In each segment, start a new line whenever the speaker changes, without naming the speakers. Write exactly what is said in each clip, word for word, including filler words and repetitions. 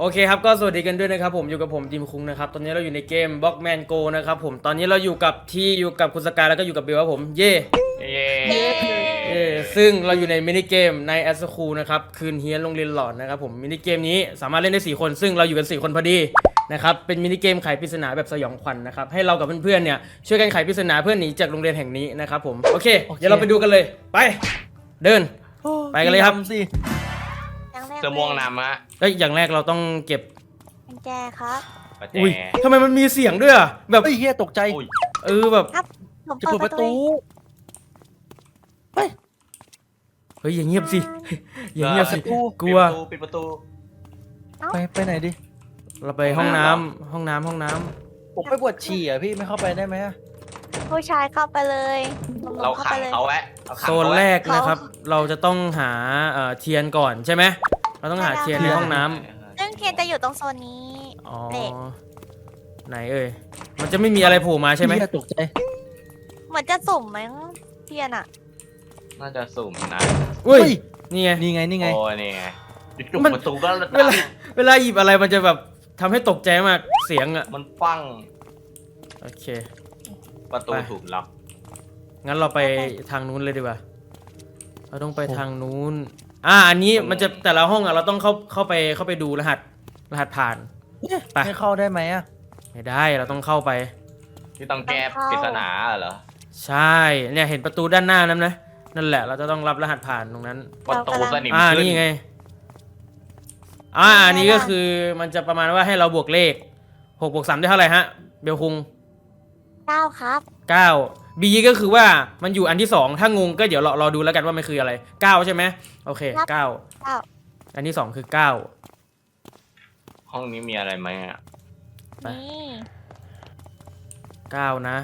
โอเคครับก็สวัสดีกันด้วยนะครับผมอยู่กับผมจิมคุงนะครับตอนนี้เราอยู่ในเกม Blockman Go นะครับผมตอนนี้เราอยู่กับที่อยู่กับคุณสกายแล้วก็อยู่กับเบลครับผมเย่
เย้
เย่ซึ่งเราอยู่ในมินิเกมในแอสคูนะครับคืนเฮียนโรงเรียนหลอนนะครับผมมินิเกมนี้สามารถเล่นได้สี่คนซึ่งเราอยู่กันสี่คนพอดีนะครับเป็นมินิเกมไขปริศนาแบบสยองขวัญนะครับให้เรากับเพื่อนๆเนี่ยช่วยกันไขปริศนาเพื่อหนีจากโรงเรียนแห่งนี้นะครับผมโอเคเดี๋ยวเราไปดูกันเลยไปเดินไปกันเลยครับ
สิ
เสื้อม่วงนำอะ
เอ้ยอย่างแรกเราต้องเก็บ
กุญแจครับ
ประแจ
อุ้ยทำไมมันมีเสียงด้วยอ่ะแบบ
เฮ้ยเฮียตกใจ
เออแบบ
ครับผม
จะ
เปิ
เปิ
ด
ด
ป
ประ ระ
ตู
ตูเฮ้ย
เฮ้ยอย่างเงียบสิอย่างเงียบสิกลัว
ปิดประตู
ไปไปไหนดิ
เราไปห้องน้ำห้องน้ำห้องน้ำ
ผมไปปวดฉี่อ่ะพี่ไม่เข้าไปได้ไหมอะ
ผู้ชายเข้าไปเลยหนุ่มๆ
เรา
เข้า
ขั
ไป
ง
เลย
เขาไว้เราขัง
โซน
เขาไว้
แรกนะครับ เราจะต้องหาเอ่อเทียนก่อนใช่ไหมเราต้องหาเทียนในห้องน้ำ
ซึ่งเทียนจะอยู่ตรงโซนนี้
อ๋อ
เด็ก
ไหนเอ่ยมันจะไม่มีอะไรโผล่มาใช่ไหม
เฮียตกใจ
เหมือนจะสุ่มมั้งเทียนอ่ะ
น่าจะสุ่มนะ
อุ้ยนี่ไง
นี่ไงนี่ไง
โอ้นี่ไงปิด
มัน
ประตูก็
เวลาเวลาหยิบอะไรมันจะแบบทำให้ตกใจมากเสียงอ่ะ
มันฟัง
โอเค
ประตู
ไป
ถูกล็อก
งั้นเราไปทางนู้นเลยดีกว่าเราต้องไปทางนู้นอ่าอันนี้มันจะแต่ละห้องอ่ะเราต้องเข้าเข้าไปเข้าไปดูรหัสรหัสผ่าน ไป
ให้เข้าได้ไหมอะ
ไม่ได้เราต้องเข้าไป
ที่ต้องแก้ปริศนาเหรอ
ใช่เนี่ยเห็นประตูด้านหน้านั้นนะนั่นแหละเราจะต้องรับรหัสผ่านตรงนั้น
ประตูสนิม
อ่า
ขึ้น
นี่ไงอ่าอันนี้ก็คือมันจะประมาณว่าให้เราบวกเลขหกบวกสามได้เท่าไหร่ฮะเบลคุง
เก้าครับ
เก้า B ก็คือว่ามันอยู่อันที่สองถ้างงก็เดี๋ยวรอรอดูแล้วกันว่ามันคืออะไรเก้าใช่ไหมโอเคเก้า
เก้า
อันที่สองคือเก้า
ห้องนี้มีอะไรไหมอะ
ไป
นี่
เก้านะ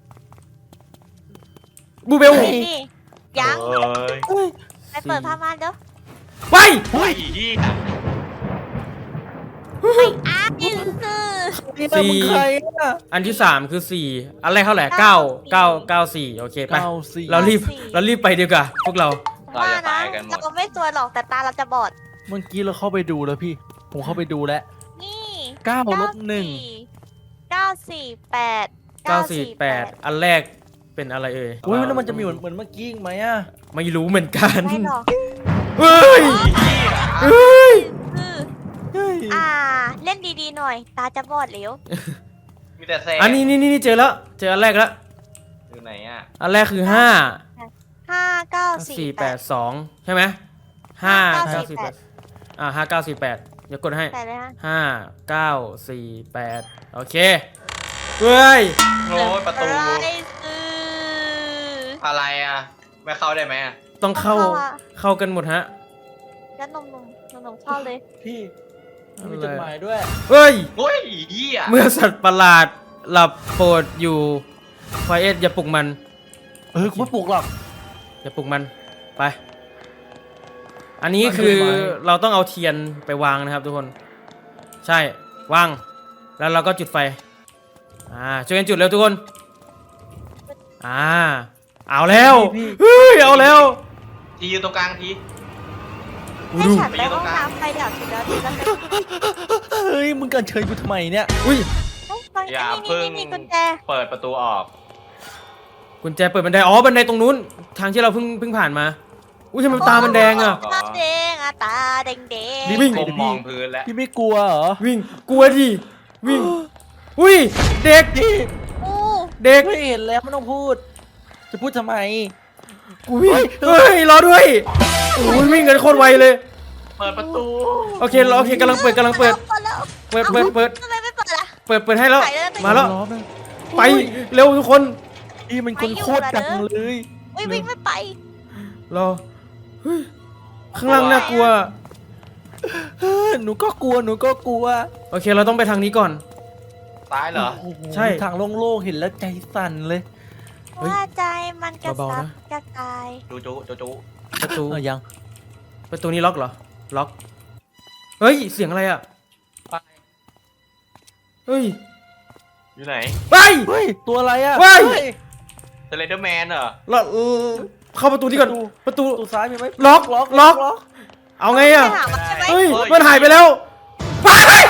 บูเบล
นี่ยัง
เฮ้ย
ไปเปิดผ้าม่านเด้อ
ไป
เฮ้ยยี่
อ้าวนี่คือ
นี่มึงใครอะ
อันที่สามคือสี่อันแรกเท่าไหร่เก้าเก้าเก้าสี่โอเคไป
เก้าสี่
เรารีบเรารีบไปดีกว่าพวกเรา
เรา
ว่า
จะ
นะ
ตายกันหมด
เราไม่ตัวหรอกแต่ตาเราจะบอด
เมื่อกี้เราเข้าไปดูแล้วพี่ ผมเข้าไปดูแล้ว
นี่
เก้าลบหนึ่ง
เก้าสี่แปด
เก้าสี่แปดอันแรกเป็นอะไรเอ่ย
อุ้ยแล้วมันจะมีเหมือนเหมือนเมื่อกี้อีกไหมอะ
ไม่รู้เหมือนกัน
ไม่หรอก
เฮ้ยเฮ้ย
คือ
เฮ้ย
อ่าเล่นดีๆหน่อย ตาจะบอดเร็ว
มีแต่แซ่
อันนี้นี่นี่เจอแล้วเจออันแรกแล้ว
อยู่ไหนอะ
อันแรกคือห้า
ห้าเก้าสี่
สี่
แป
แป
ด
ดสองใช่ไหมห้า
ห้า
เก้า
เก้าสี่
สี่
แป
แป
ด
ดอ่าห้าเก้าสี่แปดเดี๋ยวกดให้
แปดเลยฮะ
ห้าเก้าสี่แปดโอเคเฮ้ย
โอ้ยประตู
ไรซื้อ
อะไรอะไม่เข้าได้ไหมอะ
ต้องเข้าเข้ากันหมดฮะ
แล้วนมนมนมนมเข้าเลย
พี่มีจดหมายด้วย
เฮ้ย
โอ้ยยี่อะ
เมื่อสัตว์ประหลาดหลับโปรดอยู่ไฟเอสอย่าปลุกมัน
เออกูไม่ปลุกหรอก
อย่าปลุกมันไป อันนี้คือเราต้องเอาเทียนไปวางนะครับทุกคน ใช่วางแล้วเราก็จุดไฟอ่าช่วยกันจุดเร็วทุกคนอ่าเอาแล้วเฮ้ยเอาแล้ว
ทีอยู่ตรงกลางที
ดู
ให้
ดู
ฉันไปห้องน้ำไปเดี๋ยวทีเดียวทีละ
เฮ้ยมึงกันเชิญกูทำไมเนี่ย
อุ้ย
อย่า
นี่
เพิ่ง
นี่นี่กุญแจ
เปิดประตูออก
กุญแจเปิดบันไดอ๋อบันไดตรงนู้นทางที่เราเพิ่งเพิ่งผ่านมาอุ้ยทำไมตามันแดงอ่ะ
ตาแดงอ่ะตาแดงแดง
วิ่ง
ก้มมองพื้นแล้ว
พี่ไม่กลัวเหรอ
วิ่งกลัวดิวิ่งอุ้ยเด็ก
พี่
อู้
เด็ก
ไม่เห็นแล้วไม่ต้องพูด จะพูดทำไม
กูวิ่งเฮ้ยรอด้วยโอ้ยวิ่งกันโคตรไวเลย
เปิดประตู
โอเคโอเคกำลังเปิดกำลังเปิด
แล้ว
เปิดเปิดเปิด
ทำไมไม่เปิดล่ะ
เปิดเปิดให้แล้ว
ไปเลย
มาแล้ว
ล้อมัน
ไปเร็วทุกคน
พี่มันคนโคตรจังเลย
อุ้ยวิ่งไม่ไป
รอเฮ้ยข้างล่างน่ากลัว
เฮ้ยหนูก็กลัวหนูก็กลัว
โอเคเราต้องไปทางนี้ก่อน
ซ้ายเหรอ
โอ้โห
ใช่
ทางโล่งๆเห็นแล้วใจสั่นเลย
เฮ้ย
ว่าใจมันกระ
เบาๆ
ซับ
นะ
กระจาย
จูจูจูจู
ประตู
เออยัง
ประตูนี้ล็อกเหรอล็อกเฮ้ยเสียงอะไรอ่ะ
ไป
เฮ้ย
อยู่ไหน
ไป
เฮ้ยตัวอะไรอะ
เฮ้ย
สไลเดอร์แมนเหรอ
เราเออเข้าประตูนี้ก่อนประตู
ตัวซ้ายมีไหม
ล็อก
ล็อก
ล็อก
ล็อก
เอาไงอ่ะ
ไปหามันใช่ไหม
เฮ้ยมันหายไปแล้วไป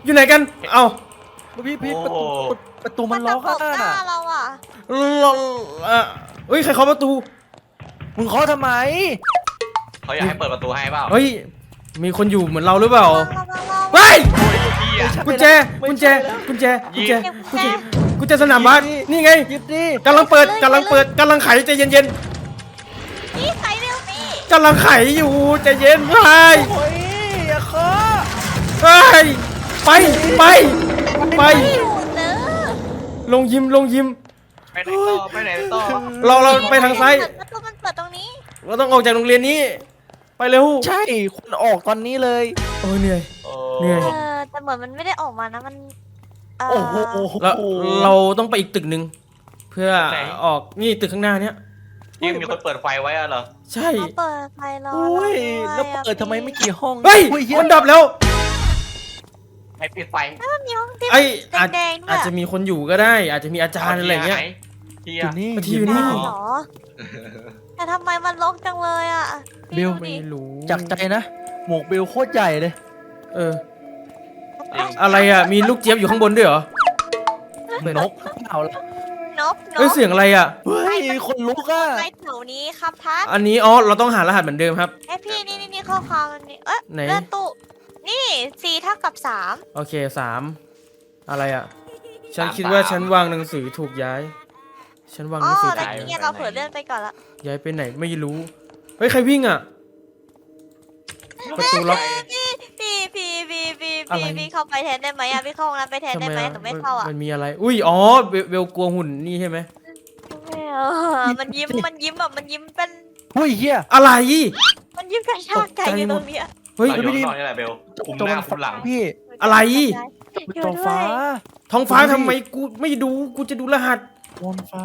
อยู่ไหนกันเอ้า
พี่พี่ประ
โอ้
ตูประตูมันล็อก
จะ
อ่ะ
ตบหน้าเราอ่ะ
เราเอ่อเฮ้ยใครเคาะประตู
มึงเคาะทำไม
เขาอยากให้เปิดประตูให้เปล่า
เฮ้ยมีคนอยู่เหมือนเราหรือเปล่า
เราเราเรา
เฮ้ย
โอ้ยพี่อะ
กุญแจกุญแจกุญแจกุญแจกุญแจกุญแจสนามบาสนี่ไง
หยิบดิ
กำลังเปิดกำลังเปิดกำลังไขใจเย็น
พี่ใครเร็วพี่
ๆกำลังไขอยู่ใจเย็นไป
โอ้ยอย่าเคาะ
เฮ้ยไปไปไป
อยู่เนอะ
ลงยิมลงยิม
ไปไหนต่อไปไหนต่อ
เราเราไปทางซ้าย
ประตูมันเปิดตรงนี้
เราต้องออกจากโรงเรียนนี้ไปเร็ว
ใช่คุณออกตอนนี้เลย
โอ้ยเหนื่อย
โอ้
เหนื่อย
เออแต่เหมือนมันไม่ได้ออกมานะมันเ
โอ้โห
เราเราต้องไปอีกตึกหนึ่งเพื่อออกนี่ตึกข้างหน้าเนี้ย
ยังมีคนเปิดไฟไว้อะเหรอ
ใช่
เขาเปิดไฟรอ
โอ้ย
เรา
แล้ว
ด้วยอะ
เปิดทำไมไม่กี่ห้อง
เฮ้ย
อุ้เหี้ย
มันดับแล้ว
ให้ปิดไฟ
แล้วมันมีห้องที่
ไอ้อาจ
แดงๆด้วย
อาจจะมีคนอยู่ก็ได้ อาจจะมีอาจารย์อะไรเงี้ย
เฮี
อย ยู่นี่
ที่อยู่นี่
ได้เหรอแต่ทำไมมันรกจังเลยอ่ะพี่
เบล
ดู
ไม่
ดิ
รู้
จากใจนะ หมวกเบลโคตรใหญ่เลย
เออ อะไรอ่ะ มีลูกเจี๊ยบอยู่ข้างบนด้วยเหรอ
นกเอาละ
นกน
เอ้ย
ก
เสียงอะไรอ่ะ
เฮ้ยคนลุกอ่ะ
ไปแถวนี้ครับทัศน์
อันนี้อ๋อเราต้องหารหัสเหมือนเดิมครับ
ไอยพี่นี่นี่นี่ข้อความมันนี่เอ๊ะ
ไหน
เลื่อนตู้นี่สี่เท่ากับสาม
โอเคสามอะไรอ่ะ ฉันคิดว่าฉันวางหนังสือถูกย้าย ฉันวางห
อ๋อ
นังสือ
แต่
ถูก
เนี่ยเราเผลอเลื่อนไปก่อนละ
ย้ายไปไหนไม่รู้ เฮ้ยใครวิ่งอ่ะ ประตูล็อก
พี่พี่พี่พี่พี่
อะไร
พี่พี่เข้าไปแทนได้ไหมอ่ะพี่เข้าห้องน้ำไปแทนได้ไหมหนูไม่เข้าอ่ะ
มันมีอะไร อุ้ยอ๋อเบลเบลกลัวหุ่นนี่ใช่ไหม
ไม่เอามันยิ้มมันยิ้มแบบมันยิ้มเป็น
เฮ้ยเฮีย
อะไร
มันยิ้มกระชากใจอยู่ตรงเนี้ย
เฮ้ย
เราอยู่ข้างนอกนี่แหละเบลคุมหน้าคุมหลัง
พี่
อะไร
เป็นตัวฟ้า
ท้องฟ้าทำไมกูไม่ดู กูจะดูรหัส
บนฟ้าร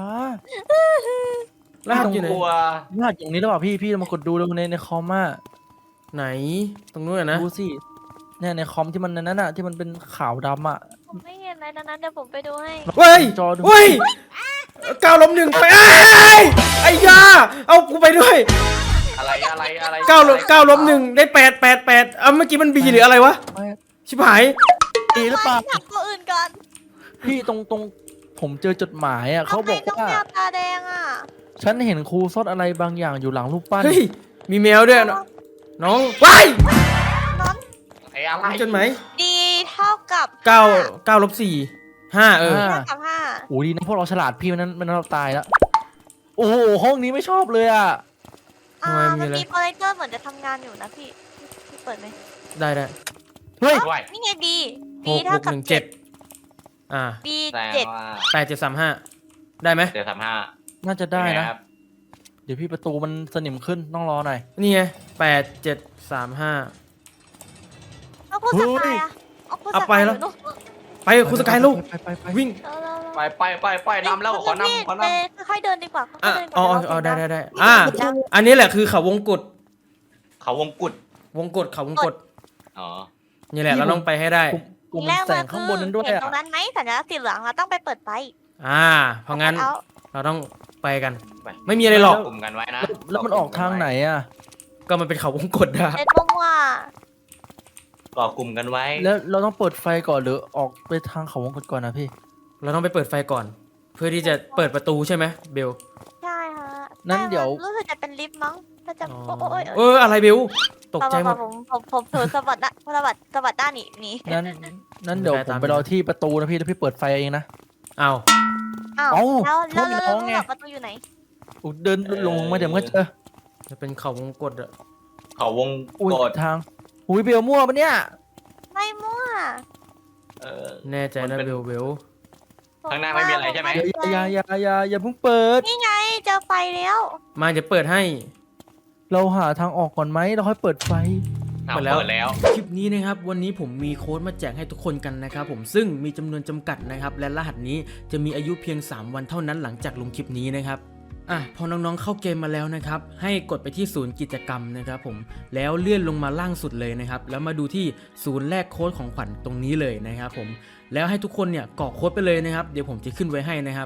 หัสอยู่ไหน
กลัว
รหัสอย่างนี้หรือเปล่าพี่พี่มากดดูดูในในคอมอ่ะ
ไหน ตรงนู้นอะนะ
ดูสิเนี่ยในคอมที่มันนั่นน่ะที่มันเป็นขาวดำอ่ะ
ผมไม่เห็นอะไรดังนั้นเดี๋ยวผมไปดูให้
เฮ้ย
จอดู
เฮ้ยก้าวล้มหนึ่งไปไอ้ยไอ้ยา เอากูไปด้วย
อะไรอะไรอะไร
ก้าวล้มก้าวล้มหนึ่งได้แปดแปดแปดเอาเมื่อกี้มันบีหรืออะไรวะ
ไม่
ชิบหาย
ดีหรือเปล่า
ถามตัวอื่นก่อน
พี่ตรงตรงผมเจอจดหมายอ่ะเขาบอก
ทำไมน้อง
ว่า
แมวตาแดงอ่ะ
ฉันเห็นครูซ่อนอะไรบางอย่างอยู่หลังรูปปั้น
เฮ้ย มีแมวด้วยนะน้องว้าย
น้อง
ไอ้อะไร
จนไหม
ดีเท่ากับ
เก้าเก้าลบสี่ห้าเออ
ห้า
เท่ากับห้า
โอ้ดีนะพวกเราฉลาดพี่มันนั้นมันนั้นเราตายแล้วโอ้โหห้องนี้ไม่ชอบเลยอ่ะ
อ่า
ทำไมมี
มัน
อะไร
มีโปรเจคเตอร์เหมือนจะทำงานอยู่นะพี่พี่เปิดไหม
ได้ได้
เฮ้ย
ด้วย
นี่ไงบี
ห
บี
ก
เท่า
บวก
กั
ห
บ
นึ่ง
เจ็
เจ็
ด
ดอ่า
บี
แต่
เจ็ด
ว่า
แปดเจ็ดสามห้าได้ไหม
เดี๋ยวทำห้า
น่าจะได้
เป็ง
นะ
ครับ
เดี๋ยวพี่ประตูมันสนิมขึ้นต้องรอหน่อย
นี่ไงแปดเจ็ดสามห้า
เอาคุณสกายอะเอาคุณส
เอาไป
กาย
แล้ว
อยู่นู่น
ไปคุณสกายลูก
ไปไปไป
วิ่ง
เออเร็วๆ
ไปไปไปไปนำแล้วขอนำขอน
เดิค่อยๆเดินดีกว่าค่
อ่ะ
อยๆเดินดีก
อ๋อ
ว่า
อ๋อ
เยว
ได้
เรา
ได้
เสียง
ได้อ่า
ดัง
อันนี้แหละคือเขาวงกด
ำเขาวงกุด
วงกดเขาวงกด
อ๋อ
นี่แหละเราต้องไปให้ได้
กลุ่ม
แรก
แส
มาง
ข้าง
คื
บนนั้นด้วย
เห็น
อ่ะ
ตรงนั้นไหมสัญลักษณ์สีเหลืองเราต้องไปเปิดไฟ
อ่า เพราะงั้น
เอา
เราต้องไปกัน
ไป
ไม่มีอะไรหรอก
กลุ่มกันไว้นะ
แล้วมันออกทางไหนอ่ะ
ก็มันเป็นเขาวงกดอะ
เด็ดมั่ว
ก่อกลุ่มกันไว้
แล้วเราต้องเปิดไฟก่อนหรือออกไปทางเขาวงกตก่อนนะพี่
เราต้องไปเปิดไฟก่อน เพื่อที่จะเปิดประตูใช่ไหมเบล
ๆใช่ฮะ
นั้นเดี๋ยว
รู้สึกจะเป็นลิฟต์มั้งถ้าจะ
อ๋อ
โอ้โอ้ย
เอออะไรเบลตกใจหมด
ผมผมผมเผลอสะบัดนะสะบัดสะบัดด้านหนีหนี
นั้นนั้นเดี๋ยว
ไม่
ผ
ได้
ม
ตาม
ไปรอที่ประตูนะพี่แล้วพี่เปิดไฟเองนะ
อ้าว
อ้าว
เอ้า
แล้วแล้ว
โทษ
แล้ว
น้องไง
แล้วประตูอยู่ไหน
อุ๊ยเดินลงมาเดี๋ยวมันก็เจอ
จะเป็นเขาวงกดอะ
เขาวง
อุ้ย
กด
ทางอุ้ยเบลมั่วปะเนี่ย
ไม่มั่ว
เออ
แน่ใจ
มัน
นะ
เป็น
เบลเบล
ข้างหน้าไม่มีอะไรใช่ไหม
อย่าอย่าอย่าอย่าอย่าเพิ่งเปิด
นี่ไงเจอไฟแล้ว
มาจะเปิดให้
เราหาทางออกก่อนไหมเราค่อยเปิดไฟ
อ้าว
เปิดแล้ว
เปิดแล้ว
คลิปนี้นะครับวันนี้ผมมีโค้ดมาแจกให้ทุกคนกันนะครับผมซึ่งมีจำนวนจำกัดนะครับและรหัสนี้จะมีอายุเพียงสามวันเท่านั้นหลังจากลงคลิปนี้นะครับอ่ะพอน้องๆเข้าเกมมาแล้วนะครับให้กดไปที่ศูนย์กิจกรรมนะครับผมแล้วเลื่อนลงมาล่างสุดเลยนะครับแล้วมาดูที่ศูนย์แลกโค้ดของขวัญตรงนี้เลยนะครับผมแล้วให้ทุกคนเนี่ยกรอกโค้ดไปเลยนะครับเดี๋ยวผมจะขึ้นไว้ให้นะครับ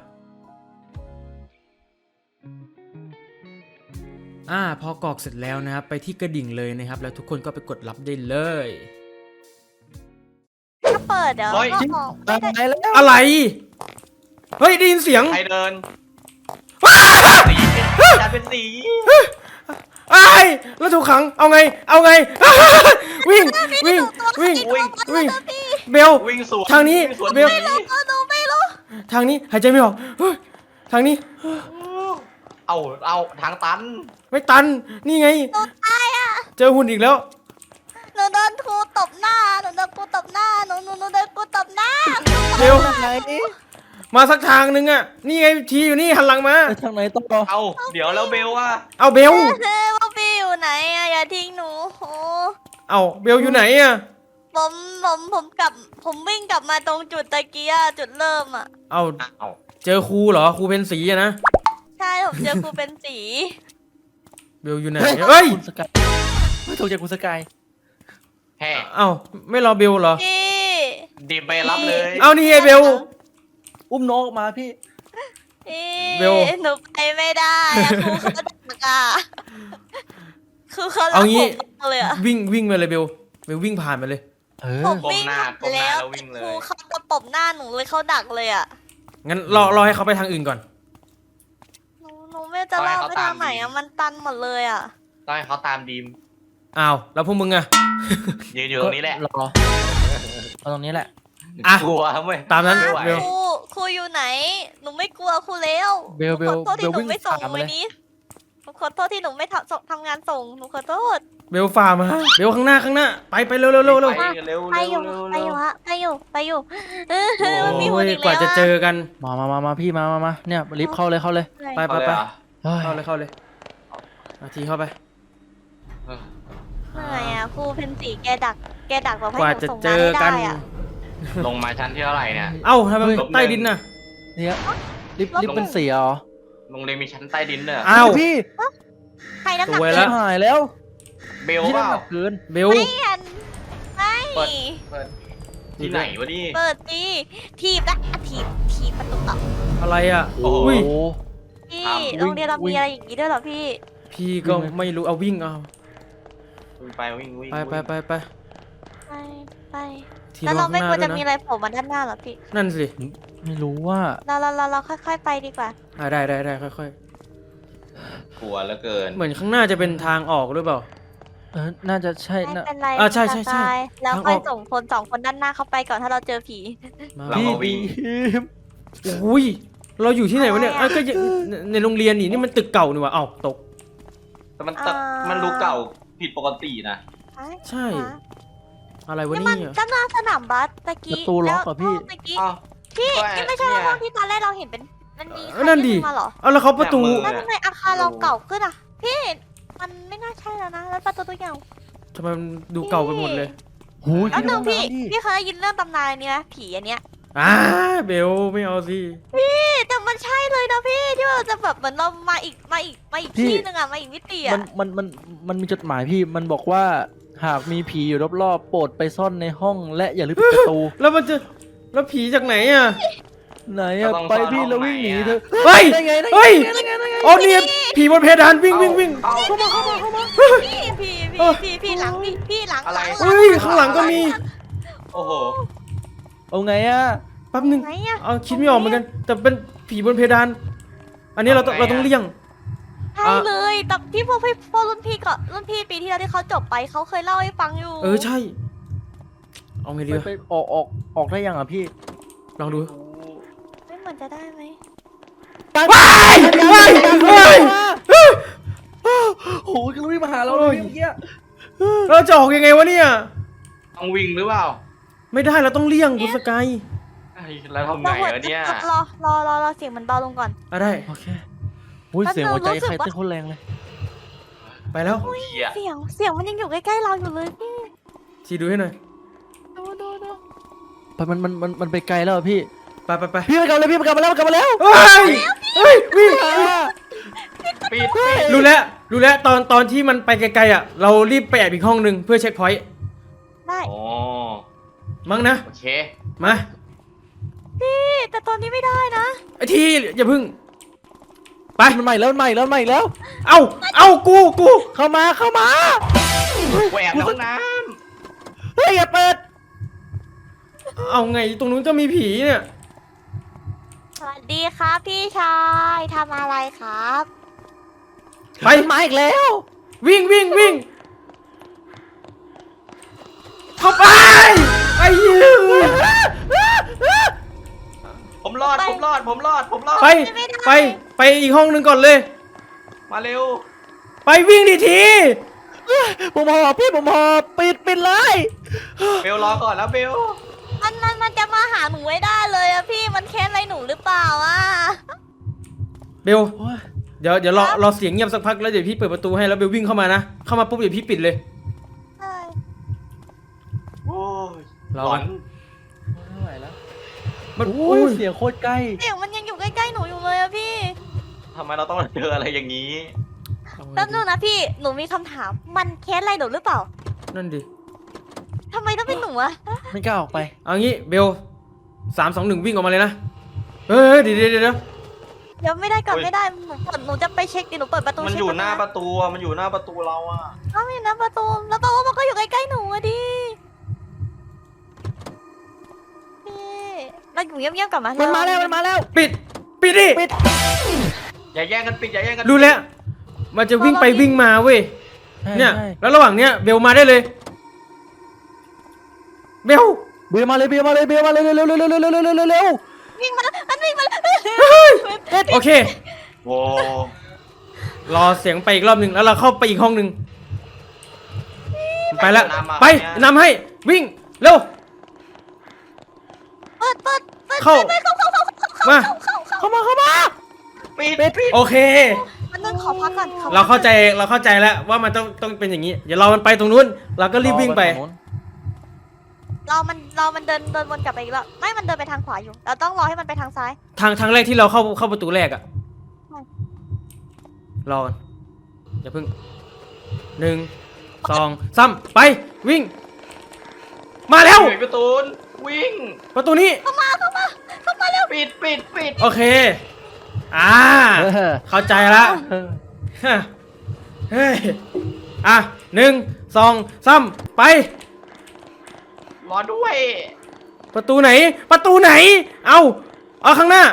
อ่าพอกรอกเสร็จแล้วนะครับไปที่กระดิ่งเลยนะครับแล้วทุกคนก็ไปกดรับได้เลย
ถ้าเปิดเดี๋ยว
เฮ้ย
ก็ออกไม่ได้
ตายแล้ว
อะไร เฮ้ยได้ยินเสียง
ใครเดินสีจะเป็นสี
ไอ้ายแล้วถูกขัง เอาไง เอาไง วิ่ง วิ่ง วิ่ง
วิ่ง
วิ่ง เบล
วิ่งสวน
ทางนี้
วิ่สวน
เบล
หนี
หนูไม่รู้
ทางนี้หายใจไม่ออกเฮ้ยทางนี้
เอาเอาทางตัน
ไม่ตัน นี่ไง
หนูตายอ่ะ
เจอหุ่นอีกแล้ว
หนูโดนครูตบหน้าหนูโดนครูตบหน้าหนูหนูหนูโดนครูตบหน้า
เบล
ทางไหน
มาสักทางนึงอ่ะ นี่ไงทีอยู่นี่หันหลังมา
ไปทางไหนต่อ
เอาเดี๋ยวแล้วเบลว่า
เอาเบล
เฮ้ยว่าพี่อยู่ไหนอ่ะอย่าทิ้งหนูโอ้
เอาเบลอยู่ไหนอ่ะ
ผมผมผมกลับผมวิ่งกลับมาตรงจุดตะกี้อะจุดเริ่มอ่ะ
เอา
เอา
เจอครูเหรอ ครูเป็นสีอะนะ
ใช่ผมเจอครูเป็นสี
เบลอยู่ไหน เฮ้ย
คุณสกายไม่ถูกใจคุณสกาย
แห่
เอาไม่รอเบลเหรอ
พี่
ดีไปรับเลย
เอานี่ไงเบล
อุ้มน้องออกมาพี่
พี่
เบล
หนูไปไม่ได้อะครูเขาดักอ่ะครูเขารั
เอา
ก
งี้
ผมมากเลยอะ
วิ่งวิ่งไปเลยเบล เบลวิ่งผ่านไปเลย
เออ
ผม
ก้ม
วิ่ง
หน้า
ผ่าน
ก้มหน้า
แล้ว
แล้ววิ่งเล
ครู
ย
เขาจะปบหน้าหนูเลยเขาดักเลยอ่ะ
งั้นรอรอให้เขาไปทางอื่นก่อน
หนูหนูไม่รู้จะเล่าไปทางไหนอ่ะมันตันหมดเลยอ่ะ
ต้องให้เขาตามดีม
อ้าว แล้วพวกมึงอะ
ยืนอยู่ตรงนี้แหละ
รอเอาตรงนี้แหละ
อ่ะ
กลัวเว้ย
ตามนั้น
ไม่ไหว
เบล
ครูครูอยู่ไหน หนูไม่กลัวครูแล้ว
เบลเบล
หนูขอโทษที่ห
เบลวิ่
นู
ง
ไม่ส่ง
ตามมา
วั
เล
น
ย
นี้หนูขอโทษที่หนูไม่ทำส่งทำงานส่งหนูขอโทษ
เบลฝ่ามา เบลข้างหน้าข้างหน้า ไปไปเร็วเร็วเร็วเร็ว
ไปเร็ว
ไป
เร็ว
อยู่
เร็ว
ไป
เร็
อ
ว
ยู่ฮะไปอยู่ไปอยู่เออ
โอ้
มันมีหุ่
โอ้
น
ย
อีก
กว่า
แล้ว
จะเจอกัน
มามามามาพี่มามามาเนี่ยรีบเข้าเลยเข้าเลย
ไปไป
เอาเลย
ไป
เหรอ
เฮ้ย
เข้าเลยเข้าเลยอาทีเข้าไป
เออ
เหนื่อยอ่ะครูเพนสีแกดักแกดักแบบให้
กว่า
หนู
จะ
ส่ง
เจ
งาน
อ
ให้
กั
ได้
น
อ่ะ
ลงมาชั้นที่เท่าไหร่เนี่ย
เอ้าทำไมมัน
ลบหนึ่ง
ใต้ดินน่ะ
เนี่ยรีบรีบเป็นเสียเหรอ
โรงเรียนมีชั้นใต้ดินเนี่ย
อ้าว
พี่
ใครน้ำหนัก
สวย
เกิ
แล้
น
ว
หายแล้ว
เบล
พี่
เป
น้ำ
ล่า
หนักเกิน
เบล
ไม่อันไม่
เปิด เปิดที่ไหนวะนี่
เปิดตีทีบละอ่ะทีบทีบประตูออก
อะไรอ่ะ
โอ้โห
อุ้ย
พี่
ครับ
โรงเรียนเรา
วิ่
มี
ง
อะไรอย่างนี้ด้วยเหรอพี่
พี่ก็ไม่รู้ เอาวิ่งเอา
วิ่งไปวิ่งวิ่ง
ไปไปไปไป
ไปไป
ที
แล้ว
รอ
เรา
ข้าง
ไม่
หน้า
ควร
ด้ว
จะ
ย
มี
นะ
อะไรโผล่มาด้านหน้าเหรอพี่
นั่นสิ
ไม่รู้ว่า
เราเราเราเราค่อยๆไปดีกว่า
อ่าได้ได้ได้ค่อย
กลัวเหลือเกิน
ๆ เหมือนข้างหน้าจะเป็นทางออกหรือเปล่า
เออน่าจะใช่
ไม่
นะ
เป็นไร
อ่ะใช่ใช่ใช่
ตายแล้ว
ทางอ
ค่อ
อย ก
ส่งคนสองคนด้านหน้าเข้าไปก่อนถ้าเราเจอผี
มา
เรา
พี่
ก็วิ่
ดี
ง
อุ้ย เราอยู่ที่ไหนวะเนี่ย
อะไรอะ
อ่ะก็ยังในในโรงเรียนนี่นี่มันตึกเก่านี่หว่าเอ้าตก
แต่มันตะมันดูเก่าผิดปกตินะ
ใช่ อะไรวะ
นี่
เนี่
มัน
ย
ด้านหน้าสนามบาสตะกี้
ประตูล็อกเหรอพี่
แล้วตะกี้
อ้าว
พี่
ก็
นี่ไม่ใช่
เนี่ย
ห้องที่ตอนแรกเราเห็นเป็นมันมี
เออนั่นดิ
ใครยื่มาเหรอ
เอาแล้วเขาประตู
เนี่ยมื
แล้ว
อ
ทำไมอาคารเราเก่าขึ้นอ่ะ พี่มันไม่น่าใช่แล้วนะแล้วประตูตัวอย่าง
ทำไมมันดูเก่าไปหมดเลย
หูย
แล้วหนึ่งพี่
พี่
พี่เคยได้ยินเรื่องตำนานอันนี้ไหมผีอันเนี้ย
อ่าเบลไม่เอาสิ
พี่แต่มันใช่เลยนะพี่ที่เราจะแบบเหมือนเรามาอีกมาอีกมาอีกที่หนึงอะมาอีกมิติ
มั
อะ
นมันมันมันมีจดหมายพี่มันบอกว่าหากมีผีอยู่รอบๆโปรดไปซ่อนในห้องและอย่าลืมปิดประตู
แล้วมันจะแล้วผีจากไหนอ่ะ
ไหนอะไปพี่แล้ววิ่งหนีเถอะ
เฮ้ย
ได้ไงได้ไง
เฮ้ย
ได้ไงได้ไง
อ๋อเนี่ยผีบนเพดานวิ่งวิ่งวิ่ง
เอา
เข้ามาเข้ามาเข้ามาพี่พี่
เออ
พี่พี่พี่หลังพี่พี่หลัง
อะไร
หลัง
เฮ้ยข้างหลังก็มี
โอ้โห
เอาไงอะ
แป๊บนึง
ไหนอะ
เอาคิดไม่ออกเหมือนกัน แต่เป็นผีบนเพดาน อันนี้เราต้อง
เอาไงอะ
เราต้องเลี่ยง
ใช่เลยแต่พี่พวกพี่พวกรุ่นพี่ก็รุ่นพี่ปีที่แล้วที่เขาจบไปเขาเคยเล่าให้ฟังอยู่
เออใช่ เอาไงดี
ไป
วะ
ไปออกออกออกได้ยังอะพี่
ลองดู
ไม่เหมือนจะได้ไหม
ว้ายว้ายว้าย
โอ้ยก็วิ่งมาหาเราเลยเมื่อกี้
เราจะออกยังไงวะเนี่ย
ต้องวิ่งหรือเปล่า
ไม่ได้เราต้องเลี่ยงคุณสกาย
ไอ้แล้วทำไง
เรา
วะเนี่ย
รอรอรอรอเสียงมันเบาลงก่อน
อ่ะได้
โอเคอุ้ยเสียงหัวใจใครเต้นโคนแรงเลย
ไปแล้ว
เหี้ย
เสียงเสียงมันยังอยู่ใกล้ๆเราอยู่เลยพี่
ชีดูให้หน่อย
ดูดูดู
ไปมันมันมันมันไปไกลแล้วอะพี่
ไปไปไป
พี่มันกลับมาแล้วพี่มันกลับมาแล้วมันกลับมาแล้ว
เฮ้ยเฮ้ยวิ่ง
ปิดปิด
รู้แล้วรู้แล้วตอนตอนที่มันไปไกลๆอ่ะ เรารีบไปแอบอีกห้องหนึ่งเพื่อเช็คพอยต์
ได้
โอ้
มั้งนะ
โอเค
มา
พี่แต่ตอนนี้ไม่ได้นะ
ไอทีอย่าพึ่ง ไป
มันใหม่แล้วมันใหม่แล้วมันใหม่แล้ว
เอาเอากูกู
เข้ามาเข้ามา
แหวกในห้องน้
เฮ้ยอย่าเปิด
ำ
เอาไงตรงนู้นจะมีผีเนี่ย
สวัสดีครับพี่ชายทำอะไรครับ
ไป
มาอีกแล้ว
วิ่งวิ่งวิ่งเข้าไปไปยืน
ผมรอดผมรอดผมรอดผมรอด
ไปไปไปอีกห้องหนึ่งก่อนเลย
มาเร็ว
ไปวิ่งดิที
ผมหอบพี่ผมหอบปิดปิดเลย
เบลรอก่อนแล้วเบล
มันมันมันจะมาหาหนูไม่ได้เลยอะพี่มันแค้นอะไรหนูหรือเปล่าอะ
เบลเดี๋ยวเดี๋ยวรอรอเสียงเงียบสักพักแล้วเดี๋ยวพี่เปิดประตูให้แล้วเบลวิ่งเข้ามานะเข้ามาปุ๊บเดี๋ยวพี่ปิดเลย
ใช่
โอ้ย
รอ
หลอน
ไม่ไหวแล้ว
มัน
โอ้
โอ้
ย
ย
เสียงโคตรใกล้
เสียงมันยังอยู่ใกล้ๆหนูอยู่เลยอะพี่
ทำไมเราต้องมาเจออะไรอย่างนี้
แป๊บนึงนะพี่หนูมีคำถามมันแค้นอะไรหนูหรือเปล่า
นั่นดิ
ทำไมต้องเป็นหนูอะ
ไม่กล้าออกไป
เอางี้เบลสามสองหนึ่งวิ่งออกมาเลยนะเฮ้ยเดี๋ยวเดี๋ยวเดี๋ยว
เดี๋ยวไม่ได้ก่อนไม่ได้หนูเปิดหนูจะไปเช็คดิหนูเปิดประตู
มัน
เช็ค
อยู่
ก่
หน้าประตูอะมันอยู่หน้าประตูเราอะ
อ้าวไม่นะประตูแล้วแปลว่ามันก็อยู่ใกล้ๆหนูอะดิพี่เราอยู่เงียบๆก่อนมา
มั
มัน
มาแล้วมันมาแล้ว
ปิดปิดดิ
ปิด
อย่าแย่งกันปิดอย่าแย่งกัน
รู้แล้วมันจะวิ่งไปวิ่งมาเว้ยเนี่ย
ใช่
แล้วระหว่างเนี้ยเบลมาได้เลยเบล
เบียร์มาเลยเบียร์มาเลยเบียร์มาเลยเร็วเร็วเร็วเร็วเร็วเร็วเร็วเร็วเร็ว
วิ่งมาแล้วมันวิ่งมาแล้ว
โอเค
โว้
รอเสียงไปอีกรอบหนึ่งแล้วเราเข้าไปอีกห้องหนึ่งไปแล้วไปนำให้วิ่งเร็ว
เปิดเปิดเปิด
เข้า
ไปเข้าเข้าเข้าเข้า
มา
เข้าเข้า
เข้ามาเข้ามา
ปิดปิด
โอเค
มันนึงขอพักก่อนขอพัก
เราเข้าใจเราเข้าใจแล้วว่ามันต้องต้องเป็นอย่างนี้เดี๋ยวเรามันไปตรงนู้นเราก็รีบวิ่งไป
เรามันเรามันเดินเดินวนกลับไปอีกแล้วไม่มันเดินไปทางขวาอยู่เราต้องรอให้มันไปทางซ้าย
ทางทางแรกที่เราเข้าเข้าประตูแรกอะ
ใช่
รอก่อนอย่าเพิ่งหนึ่งสองสามไปวิ่ง มาแล้ว
ปิดประตูวิ่ง
ประตูนี้
เข้ามาเข้ามาเข้ามาเร็ว
ปิดปิดปิด
โอเคอ่า
เออ
เข้าใจละ
เออ
ฮะเฮ้ยอ่ะหนึ่งสองสามไป
รอด้วย
ประตูไหน ประตูไหน เอาเอาข้างหน้า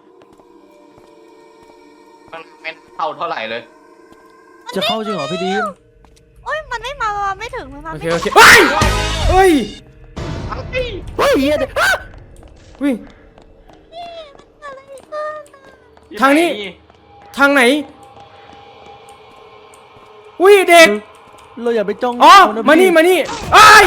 มันเป็นเท่าเท่าไหร่เลย
จะเข้าจริงเหรอพี่ดีม
โอ้ยมันไม่มามันไม่ถึงมันมา
โอ
ไม่
เค
ถึ
โอง เคเฮ้ยเฮ้ย
อะไร
เฮ้ยเหี้ยเดี๋ยวอ่ะ
วิ่ง
อะไรขึ้น
ทางนี้ ทางไหนอุ้ยเด็ก
เราอย่าไปจ้อง
อ๋อ
เขะ
มานี่
พี่
มานี่ไอ้าย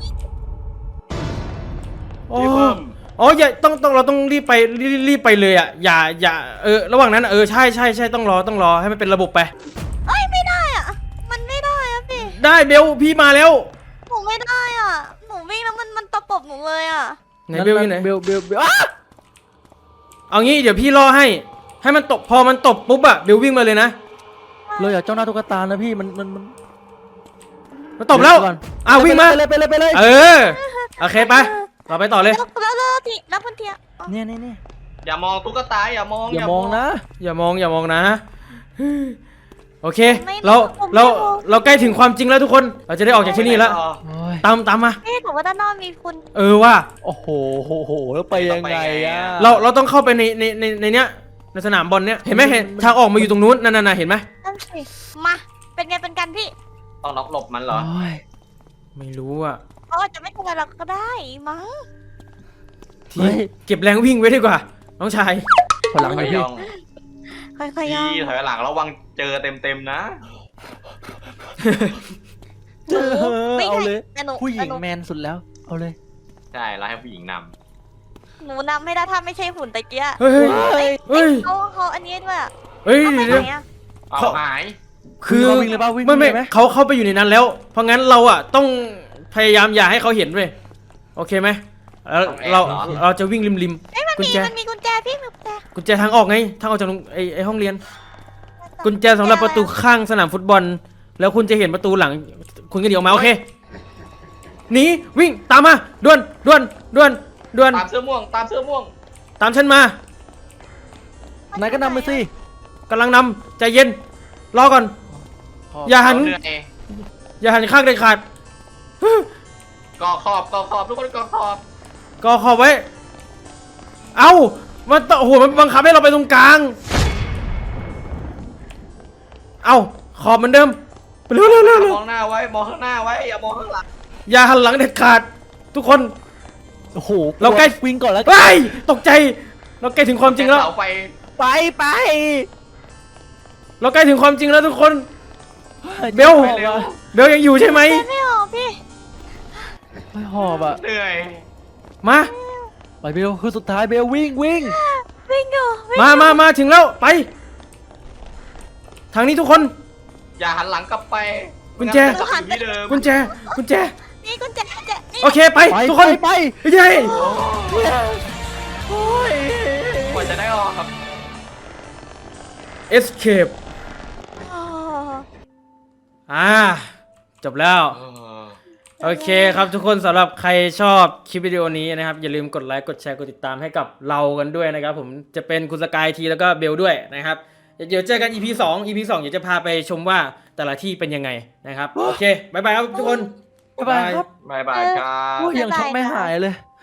อ๋อ
พี่เพิ่ม
อ๋ออย่าต้องต้องเราต้องรีบไปรีบรีบไปเลยอ่ะอย่าอย่าเออระหว่างนั้นอะเออใช่ใช่ใช่ต้องรอต้องรอให้มันเป็นระบบไป
เอ้ยไม่ได้อ่ะมันไม่ได้อ่ะพี่
ได้เบลพี่มาแล้ว
หนูไม่ได้อ่ะหนูวิ่งแล้วมันมันตะปบหนูเลยอ่ะ
ไหนเบลอยู่ไหน
เบลเบลเบลอ่ะ
เอางี้เดี๋ยวพี่รอให้ ให้มันตบพอมันตบปุ๊บอะเบลวิ่งมาเลยนะ
เราอย่าจ้องหน้าตุ๊กตานะพี่มันมันมัน
มันตบแล้ว
ก่อน
อ้าววิ่งมา
ไปเลยไปเลยไปเลย
เออโอเคไปเราไปต่อเลย
แล้วแล้วแล้วทีแล้วคุณเทีย
เนี่ยเนี่ยเนี่ย
อย่ามองตุ๊กตาอย่ามอง
อย่ามองนะ
อย่ามองอย่ามองนะโอเคเราเราเราใกล้ถึงความจริงแล้วทุกคนเราจะได้ออกจากที่นี่แล้ว
โอ้ย
ตามตามมา
เอ๊ะแต่ว่าด้านนอกมีคุณ
เออว่า
โอ้โหโหโหแล้วไปยังไงอ่ะ
เราเราต้องเข้าไปในในในในเนี้ยในสนามบอลเนี้ยเห็นไหมเห็นทางออกมาอยู่ตรงนู้นนั่นน่ะเห็นไหม
นั่นสิมาเป็นไงเป็นกันพี่
ต้องล็อกหลบมันเหรอ
โอ้ย
ไม่รู้อ่ะ
เขาอาจจะไม่ทำอะไรเราก็ได้มั้ง
ทีเก็บแรงวิ่งไว้ดีกว่าน้องชาย
พลัง
ไม่
เลยพี่
ย่อง
ค่อยๆย่อง
พี่ถอยหลังระวังเจอเต็มเต็มๆนะ
เออ
ไม่
เอา
ใช่
เลย
แต่หนู
ผู้หญิง
แต่นู
แมนสุดแล้วเอาเลย
ใช่เราให้ผู้หญิงน
หนูนำไม่ได้ถ้าไม่ใช่หุ่นตะเกีย
เฮ้ยเฮ้ย
เฮ้ย
เฮ้ย
เขาเขาอันนี้ด้วยอะ
เฮ้ย
เอาไป
เดี๋ยว
ไหน
เดี๋ยว
อะ
ำเอา
เขา
หาย
คือ
วิ่งเลยป่ะวิ่ง
ไม่ไม่
เลยไหม
เขาเข้าไปอยู่ในนั้นแล้ว เพราะงั้นเราอ่ะต้องพยายามอย่าให้เขาเห็นเว้ยโอเคไหมแล้วเราเราจะวิ่งริมริม
เอ้ยมัน
กุญ
มี
แจ
มันมีกุญแจพี่มีกุญแจ
กุญแจทางออกไงทางออกจากโรงไอไอห้องเรียน กุญแจสำหรับประตูข้างสนามฟุตบอล แล้วคุณจะเห็นประตูหลัง คุณก็เดี๋ยวออกมาโอเคหนีวิ่งตามมาด่วนด่วนด่วนด่วน
ตามเสื้อม่วงตามเสื้อม่วง
ตามฉันมาน
ายก็นำไปสิ
กำลังนำใจเย็นรอก่อน อย่าหัน
เหนื่อย
อย่าหันข้างเด็ดขาด
กอขอบกอขอบทุกคนกอขอบ
ก็ขอบไว้ เอ้ามันโอ้โหมันบังคับให้เราไปตรงกลาง เอ้าขอบเหมือนเดิมไปเร็วเร็วเร็วเร็ว
มองหน้าไว้มองข้างหน้าไว้อย่ามองข้างหลัง
อย่าหันหลังเด็ดขาด ทุกคน
โอ้โห
เราใกล้
วิ่งก่อนแล้ว
เฮ้ยตกใจ เราใกล้ถึงความจริงแล้ว
เสาไฟ
ไปไป
เราใกล้ถึงความจริงแล้วทุกคน เบล
ไปเร็ว
เบลยังอยู่ใช่ไหม
ไม่ออกพี่
ไม่หอบอ่ะ
เหนื่อย
มา
ไปเบลคือสุดท้ายเบลวิ่งวิ่ง
วิ่งอยู่วิ่ง
มามามาถึงแล้วไป ทางนี้ทุกคน
อย่าหันหลังกลับไป
กุญแจ
ไม่งั้นมันจะกลับอยู่ที่เดิม
กุญแจกุญแจ
นี่กุญแจกุญแจนี่
โอเคไป
ไป
ทุกคน
ไปไป
ไม่ใช่
โอ้ย
กว่าจะได้ออกครับ
escape
อ๋อ
อ่าจบแล้ว โอเคครับทุกคนสำหรับใครชอบคลิปวิดีโอนี้นะครับอย่าลืมกดไลค์กดแชร์กดติดตามให้กับเรากันด้วยนะครับผมจะเป็นคุณสกายทีแล้วก็เบลด้วยนะครับเดี๋ยวเจอกัน อี พี สอง อี พี สองเดี๋ยวจะพาไปชมว่าแต่ละที่เป็นยังไงนะครับโอเคบายบายครับทุกคน
บ๊ายบายครับ
บายบายครับ
โอ้ยยังช็อกไม่หายเลย